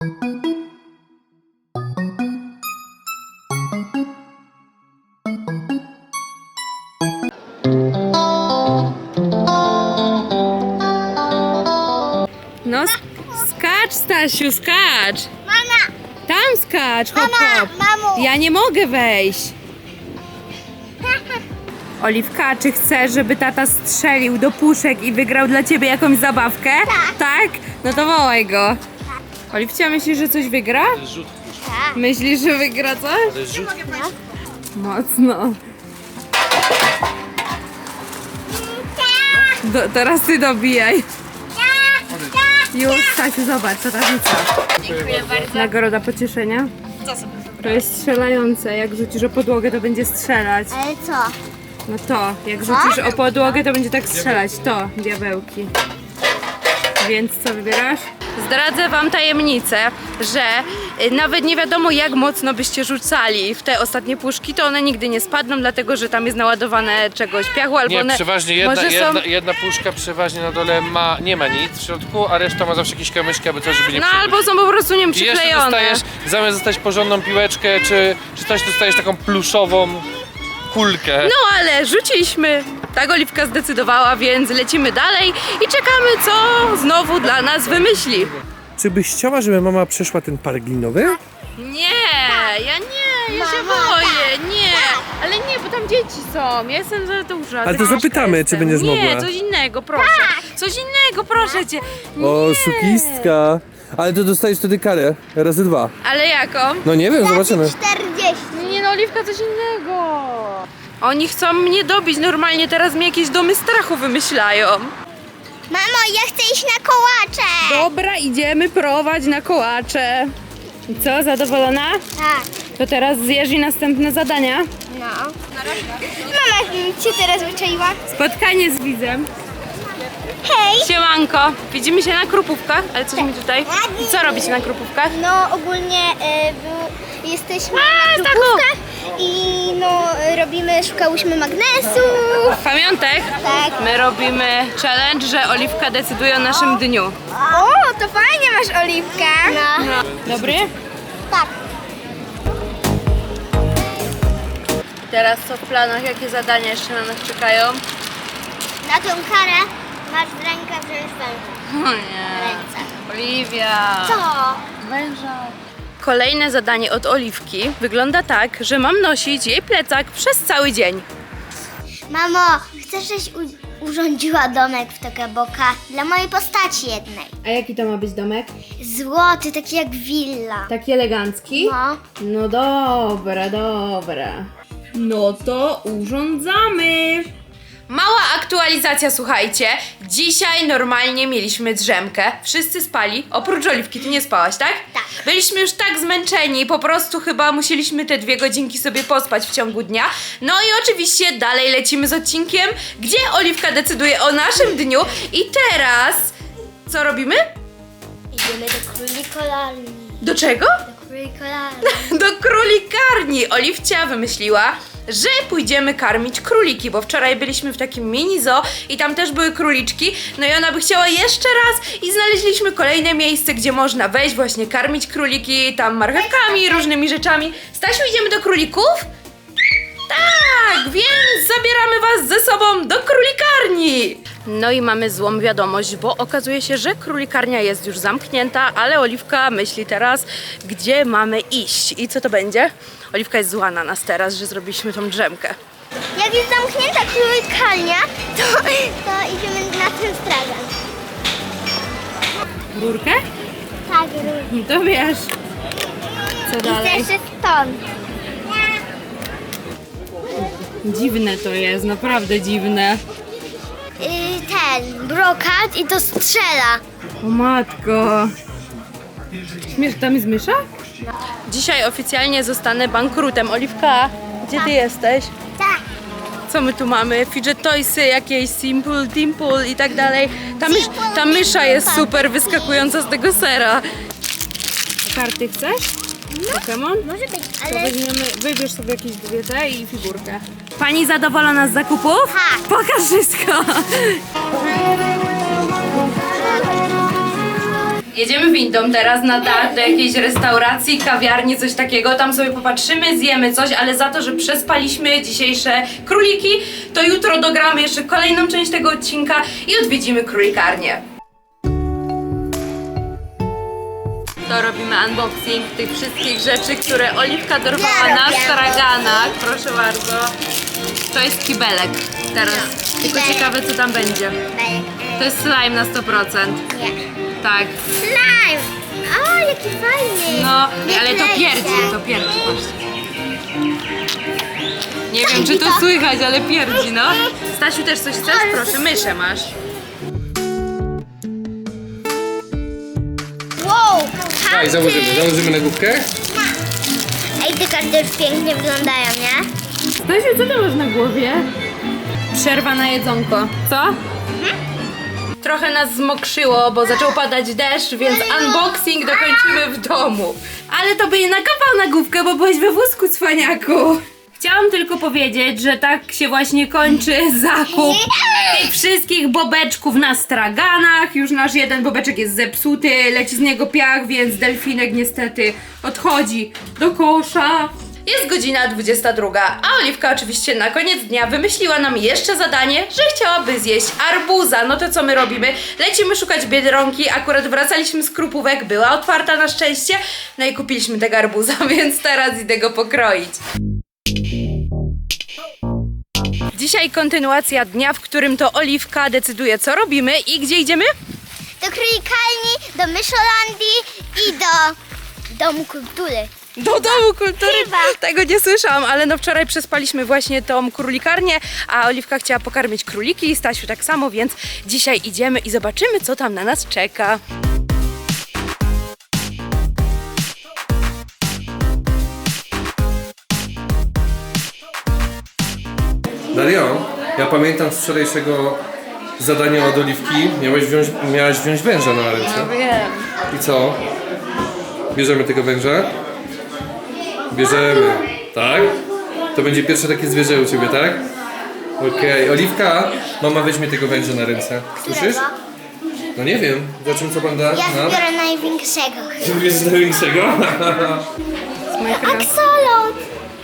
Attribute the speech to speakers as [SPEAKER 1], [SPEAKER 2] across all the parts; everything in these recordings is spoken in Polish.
[SPEAKER 1] No, skacz, Stasiu, skacz!
[SPEAKER 2] Mama!
[SPEAKER 1] Tam skacz, hop, hop!
[SPEAKER 2] Mamo!
[SPEAKER 1] Ja nie mogę wejść! Oliwka, czy chcesz, żeby tata strzelił do puszek i wygrał dla ciebie jakąś zabawkę?
[SPEAKER 2] Tak.
[SPEAKER 1] Tak? No to wołaj go. Oliwcia, myślisz, że coś wygra?
[SPEAKER 3] Rzut.
[SPEAKER 2] Tak.
[SPEAKER 1] Myślisz, że wygra coś?
[SPEAKER 3] To jest rzut.
[SPEAKER 1] Mocno. Teraz ty dobijaj. Już, Stasiu, zobacz, co ta rzuca.
[SPEAKER 2] Dziękuję bardzo.
[SPEAKER 1] Nagroda pocieszenia. To jest strzelające. Jak rzucisz o podłogę, to będzie strzelać.
[SPEAKER 2] Ale co?
[SPEAKER 1] No to, jak rzucisz o podłogę, to będzie tak strzelać. To, diabełki. Więc co wybierasz? Zdradzę wam tajemnicę, że nawet nie wiadomo jak mocno byście rzucali w te ostatnie puszki, to one nigdy nie spadną, dlatego że tam jest naładowane czegoś piachu, albo
[SPEAKER 3] Nie,
[SPEAKER 1] one
[SPEAKER 3] przeważnie
[SPEAKER 1] może są...
[SPEAKER 3] jedna puszka przeważnie na dole nie ma nic w środku, a reszta ma zawsze jakieś kamyczki, aby coś, żeby nie
[SPEAKER 1] No
[SPEAKER 3] przybyć.
[SPEAKER 1] albo są po prostu, nie wiem,
[SPEAKER 3] I jeszcze
[SPEAKER 1] przyklejone.
[SPEAKER 3] dostajesz, zamiast dostać porządną piłeczkę czy coś, dostajesz taką pluszową kulkę.
[SPEAKER 1] No ale rzuciliśmy, tak Oliwka zdecydowała, więc lecimy dalej i czekamy, co znowu dla nas wymyśli.
[SPEAKER 4] Czy byś chciała, żeby mama przeszła ten park linowy?
[SPEAKER 1] Nie, ja się boję, nie, ale nie, bo tam dzieci są, ja jestem za duża.
[SPEAKER 4] Ale to
[SPEAKER 1] troszkę
[SPEAKER 4] zapytamy,
[SPEAKER 1] jestem.
[SPEAKER 4] czy będziesz
[SPEAKER 1] Nie,
[SPEAKER 4] mogła.
[SPEAKER 1] coś innego, proszę, coś innego, proszę cię. Nie.
[SPEAKER 4] O, szukistka. Ale to dostajesz wtedy karę, razy 2.
[SPEAKER 1] Ale jaką?
[SPEAKER 4] No nie wiem, zobaczymy.
[SPEAKER 2] 40.
[SPEAKER 1] Nie no, Oliwka, coś innego. Oni chcą mnie dobić normalnie, teraz mi jakieś domy strachu wymyślają.
[SPEAKER 2] Mamo, ja chcę iść na kołacze.
[SPEAKER 1] Dobra, idziemy prowadź na kołacze. I co, zadowolona?
[SPEAKER 2] Tak.
[SPEAKER 1] To teraz zjesz i następne zadania.
[SPEAKER 2] No. Mama cię teraz wyczaiła.
[SPEAKER 1] Spotkanie z widzem.
[SPEAKER 2] Hej.
[SPEAKER 1] Siemanko, widzimy się na Krupówkach, ale coś mi tutaj... I co robicie na Krupówkach?
[SPEAKER 2] No ogólnie jesteśmy na
[SPEAKER 1] tak,
[SPEAKER 2] grupówkach i no szukałyśmy magnesu.
[SPEAKER 1] Pamiątek?
[SPEAKER 2] Tak.
[SPEAKER 1] My robimy challenge, że Oliwka decyduje o naszym dniu.
[SPEAKER 2] O, to fajnie masz oliwkę. No.
[SPEAKER 1] Dobry?
[SPEAKER 2] Tak.
[SPEAKER 1] Teraz co w planach? Jakie zadania jeszcze na nas czekają?
[SPEAKER 2] Na tą karę masz w rękę wziąć węża.
[SPEAKER 1] O nie.
[SPEAKER 2] Ręce.
[SPEAKER 1] Oliwia.
[SPEAKER 2] Co?
[SPEAKER 1] Węża. Kolejne zadanie od Oliwki wygląda tak, że mam nosić jej plecak przez cały dzień.
[SPEAKER 2] Mamo, chcesz, żebyś urządziła domek w Tokaboka dla mojej postaci jednej.
[SPEAKER 1] A jaki to ma być domek?
[SPEAKER 2] Złoty, taki jak willa.
[SPEAKER 1] Taki elegancki?
[SPEAKER 2] No.
[SPEAKER 1] No dobra, dobra. No to urządzamy. Mała aktualizacja, słuchajcie. Dzisiaj normalnie mieliśmy drzemkę. Wszyscy spali, oprócz Oliwki. Ty nie spałaś, tak?
[SPEAKER 2] Tak.
[SPEAKER 1] Byliśmy już tak zmęczeni, po prostu chyba musieliśmy te 2 godzinki sobie pospać w ciągu dnia. No i oczywiście dalej lecimy z odcinkiem, gdzie Oliwka decyduje o naszym dniu. I teraz co robimy?
[SPEAKER 2] Idziemy do królikarni.
[SPEAKER 1] Do czego?
[SPEAKER 2] Do królikarni.
[SPEAKER 1] Do królikarni. Oliwcia wymyśliła, że pójdziemy karmić króliki, bo wczoraj byliśmy w takim mini zoo i tam też były króliczki, no i ona by chciała jeszcze raz i znaleźliśmy kolejne miejsce, gdzie można wejść, właśnie karmić króliki, tam marchewkami, różnymi rzeczami. Stasiu, idziemy do królików? Tak, więc zabieramy was ze sobą do królikarni. No i mamy złą wiadomość, bo okazuje się, że królikarnia jest już zamknięta, ale Oliwka myśli teraz, gdzie mamy iść i co to będzie. Oliwka jest zła na nas teraz, że zrobiliśmy tą drzemkę.
[SPEAKER 2] Jak jest zamknięta królikarnia, to idziemy na ten strażak.
[SPEAKER 1] Rurkę?
[SPEAKER 2] Tak, rurkę.
[SPEAKER 1] To wiesz. Co
[SPEAKER 2] I
[SPEAKER 1] dalej?
[SPEAKER 2] jeszcze stąd.
[SPEAKER 1] Dziwne to jest, naprawdę dziwne.
[SPEAKER 2] Ten brokat i to strzela.
[SPEAKER 1] O matko. Tam jest mysza? Dzisiaj oficjalnie zostanę bankrutem. Oliwka, gdzie ty jesteś?
[SPEAKER 2] Tak.
[SPEAKER 1] Co my tu mamy? Fidget toysy, jakieś Simple, Dimple i tak dalej. Ta mysza jest super wyskakująca z tego sera. Karty chcesz? Pokémon?
[SPEAKER 2] Może być,
[SPEAKER 1] To
[SPEAKER 2] ale
[SPEAKER 1] weźmiemy, wybierz sobie jakieś 2 te i figurkę. Pani zadowolona z zakupów?
[SPEAKER 2] Tak.
[SPEAKER 1] Pokaż wszystko. Jedziemy windą teraz na dach do jakiejś restauracji, kawiarni, coś takiego. Tam sobie popatrzymy, zjemy coś, ale za to, że przespaliśmy dzisiejsze króliki, to jutro dogramy jeszcze kolejną część tego odcinka i odwiedzimy królikarnię. To robimy unboxing tych wszystkich rzeczy, które Oliwka dorwała na straganach. Proszę bardzo. To jest kibelek teraz. Tylko ciekawe, co tam będzie. To jest slime na 100%.
[SPEAKER 2] Nie.
[SPEAKER 1] Tak.
[SPEAKER 2] Slime! O, jaki fajny!
[SPEAKER 1] No, ale to pierdzi, właśnie. Nie wiem, czy to słychać, ale pierdzi, no. Stasiu, też coś chcesz? Proszę, myszę masz.
[SPEAKER 2] Wow!
[SPEAKER 3] Daj, założymy na główkę.
[SPEAKER 2] Ej, te karty już pięknie wyglądają, nie?
[SPEAKER 1] Stasiu, co ty masz na głowie? Przerwa na jedzonko. Co? Trochę nas zmokrzyło, bo zaczął padać deszcz, więc unboxing dokończymy w domu. Ale to by nie nakawał na główkę, bo byłeś we wózku, cwaniaku. Chciałam tylko powiedzieć, że tak się właśnie kończy zakup tych wszystkich bobeczków na straganach. Już nasz jeden bobeczek jest zepsuty, leci z niego piach, więc delfinek niestety odchodzi do kosza. Jest godzina 22, a Oliwka oczywiście na koniec dnia wymyśliła nam jeszcze zadanie, że chciałaby zjeść arbuza. No to co my robimy? Lecimy szukać Biedronki, akurat wracaliśmy z Krupówek, była otwarta na szczęście, no i kupiliśmy tego arbuza, więc teraz idę go pokroić. Dzisiaj kontynuacja dnia, w którym to Oliwka decyduje, co robimy i gdzie idziemy?
[SPEAKER 2] Do królikalni, do Myszolandii i do Domu Kultury.
[SPEAKER 1] Do Domu Kultury.
[SPEAKER 2] Chyba.
[SPEAKER 1] Tego nie słyszałam, ale no wczoraj przespaliśmy właśnie tą królikarnię, a Oliwka chciała pokarmić króliki i Stasiu tak samo, więc dzisiaj idziemy i zobaczymy, co tam na nas czeka.
[SPEAKER 4] Dario, ja pamiętam z wczorajszego zadania od Oliwki. Miałaś wziąć węża na ręce.
[SPEAKER 1] Wiem.
[SPEAKER 4] I co? Bierzemy tego węża? Bierzemy, tak? To będzie pierwsze takie zwierzę u ciebie, tak? Okej, Oliwka, mama weźmie tego węża na ręce. Słyszysz? No nie wiem, zobaczymy co pan da.
[SPEAKER 2] Ja
[SPEAKER 4] No.
[SPEAKER 2] wybiorę największego.
[SPEAKER 4] Ty bierzesz największego?
[SPEAKER 2] Aksolot!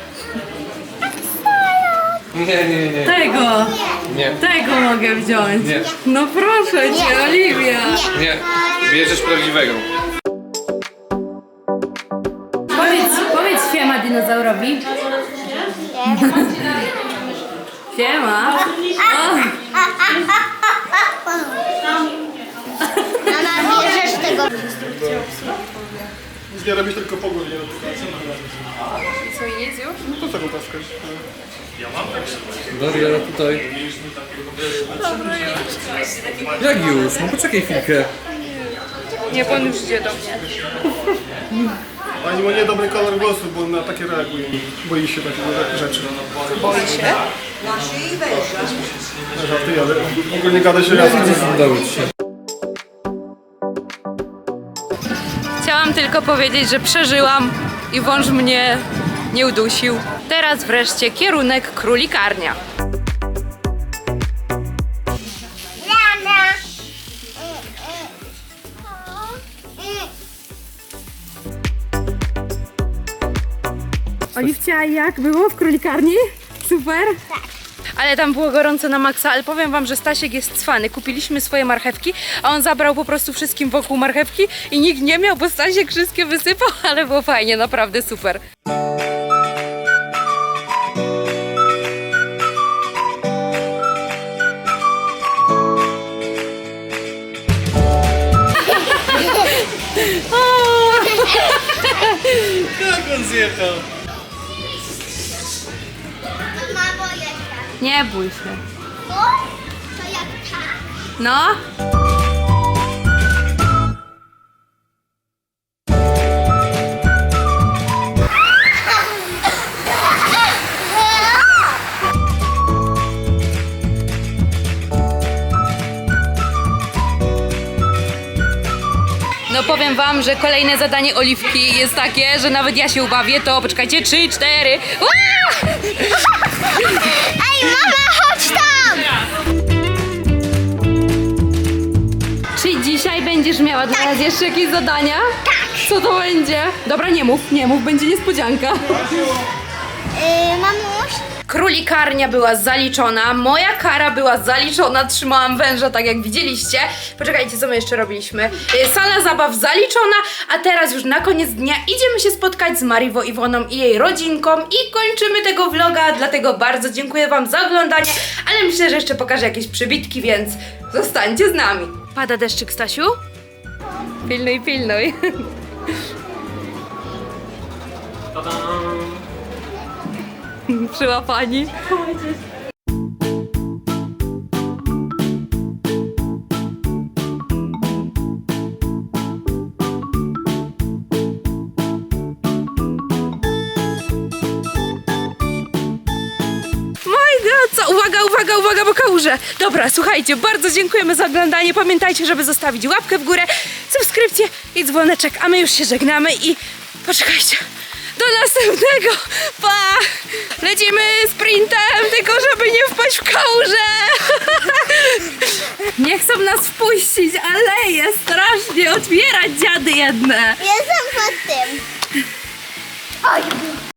[SPEAKER 4] Nie.
[SPEAKER 1] Tego!
[SPEAKER 4] Nie,
[SPEAKER 1] Tego mogę wziąć.
[SPEAKER 4] Nie.
[SPEAKER 1] No proszę cię, Oliwia.
[SPEAKER 4] nie. Bierzesz prawdziwego.
[SPEAKER 1] Powiedz siema dinozaurowi. Siema.
[SPEAKER 2] Mama, bierzesz tego.
[SPEAKER 5] Nie robisz tylko pogód, nie robisz.
[SPEAKER 1] Co, nic już?
[SPEAKER 5] No to co go paskać?
[SPEAKER 4] Daria, tutaj. Jak już? No poczekaj chwilkę.
[SPEAKER 1] Nie, pan już idzie do mnie.
[SPEAKER 5] Pani ma niedobry kolor głosu, bo on na takie reaguje. Boi się takich rzeczy.
[SPEAKER 1] Boi się?
[SPEAKER 5] Żartuję, ale ogólnie gada się razem.
[SPEAKER 4] Udało ci się.
[SPEAKER 1] Chciałam tylko powiedzieć, że przeżyłam i wąż mnie nie udusił. Teraz wreszcie kierunek królikarnia.
[SPEAKER 2] Rana.
[SPEAKER 1] Oliwcia, jak było w królikarni? Super? Tak. Ale tam było gorąco na maksa, ale powiem wam, że Stasiek jest cwany. Kupiliśmy swoje marchewki, a on zabrał po prostu wszystkim wokół marchewki i nikt nie miał, bo Stasiek wszystkie wysypał, ale było fajnie, naprawdę super.
[SPEAKER 5] Jak on zjechał?
[SPEAKER 2] Mamo, jak
[SPEAKER 1] Nie bój się.
[SPEAKER 2] to? To jak tak?
[SPEAKER 1] No? No powiem wam, że kolejne zadanie Oliwki jest takie, że nawet ja się ubawię, to poczekajcie, 3, 4.
[SPEAKER 2] Ej, mama, chodź tam!
[SPEAKER 1] Czy dzisiaj będziesz miała dla nas jeszcze jakieś zadania? Tak. Co to będzie? Dobra, nie mów, będzie niespodzianka.
[SPEAKER 2] Mamuś,
[SPEAKER 1] Królikarnia była zaliczona, moja kara była zaliczona, trzymałam węża tak jak widzieliście. Poczekajcie, co my jeszcze robiliśmy. Sala zabaw zaliczona, a teraz już na koniec dnia idziemy się spotkać z Mariwo Iwoną i jej rodzinką i kończymy tego vloga, dlatego bardzo dziękuję wam za oglądanie, ale myślę, że jeszcze pokażę jakieś przybitki, więc zostańcie z nami. Pada deszczyk, Stasiu? Pilnuj, pilnuj. Przyłapani. Co? Uwaga, bo kałuże. Dobra, słuchajcie, bardzo dziękujemy za oglądanie. Pamiętajcie, żeby zostawić łapkę w górę, subskrypcję i dzwoneczek, a my już się żegnamy i poczekajcie. Do następnego. Pa! Lecimy sprintem, tylko żeby nie wpaść w kałużę. Nie chcą nas wpuścić, ale jest strasznie otwierać dziady jedne.
[SPEAKER 2] jestem pod tym. Oj.